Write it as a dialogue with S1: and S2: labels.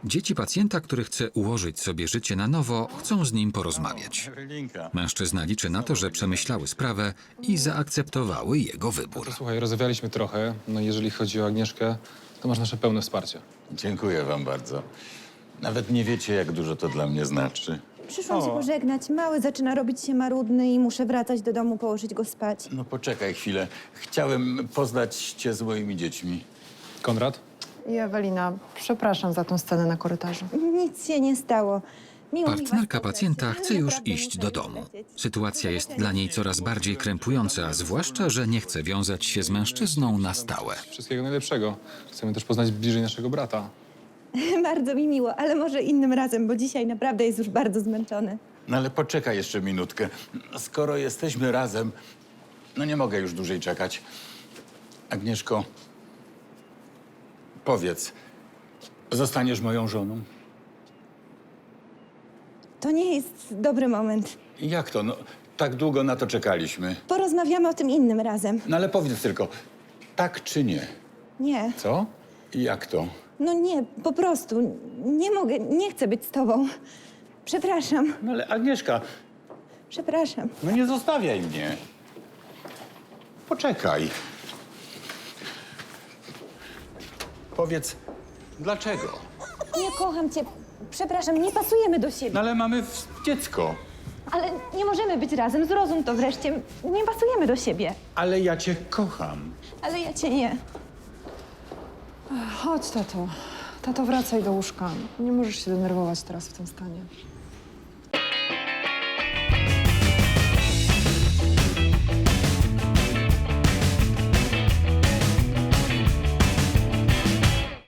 S1: Dzieci pacjenta, który chce ułożyć sobie życie na nowo, chcą z nim porozmawiać. Mężczyzna liczy na to, że przemyślały sprawę i zaakceptowały jego wybór.
S2: Słuchaj, rozmawialiśmy trochę. No i jeżeli chodzi o Agnieszkę, to masz nasze pełne wsparcie.
S3: Dziękuję wam bardzo. Nawet nie wiecie, jak dużo to dla mnie znaczy.
S4: Przyszłam się pożegnać. Mały zaczyna robić się marudny i muszę wracać do domu, położyć go spać.
S3: No poczekaj chwilę. Chciałem poznać cię z moimi dziećmi.
S2: Konrad?
S5: I Ewelina, przepraszam za tą scenę na korytarzu.
S4: Nic się nie stało. Miło mi was
S1: Partnerka
S4: poznać,
S1: pacjenta
S4: ale
S1: chce już
S4: naprawdę
S1: iść
S4: muszę
S1: do
S4: już
S1: domu.
S4: lecieć.
S1: Sytuacja jest dla niej coraz bardziej krępująca, zwłaszcza, że nie chce wiązać się z mężczyzną na stałe.
S2: Wszystkiego najlepszego. Chcemy też poznać bliżej naszego brata.
S4: Bardzo mi miło, ale może innym razem, bo dzisiaj naprawdę jest już bardzo zmęczony.
S3: No ale poczekaj jeszcze minutkę. Skoro jesteśmy razem, no nie mogę już dłużej czekać. Agnieszko, powiedz, zostaniesz moją żoną?
S4: To nie jest dobry moment.
S3: Jak to? No, tak długo na to czekaliśmy.
S4: Porozmawiamy o tym innym razem.
S3: No ale powiedz tylko, tak czy nie?
S4: Nie,
S2: Co?
S3: Jak to?
S4: no nie, po prostu. Nie mogę, nie chcę być z tobą. Przepraszam,
S3: No ale Agnieszka,
S4: przepraszam.
S3: no nie zostawiaj mnie. Poczekaj. Powiedz, dlaczego?
S4: Nie kocham cię. Przepraszam, nie pasujemy do siebie.
S3: No ale mamy dziecko.
S4: Ale nie możemy być razem, zrozum to wreszcie. Nie pasujemy do siebie.
S3: Ale ja cię kocham.
S4: Ale ja cię nie.
S5: Chodź, tato. Tato, wracaj do łóżka. Nie możesz się denerwować teraz w tym stanie.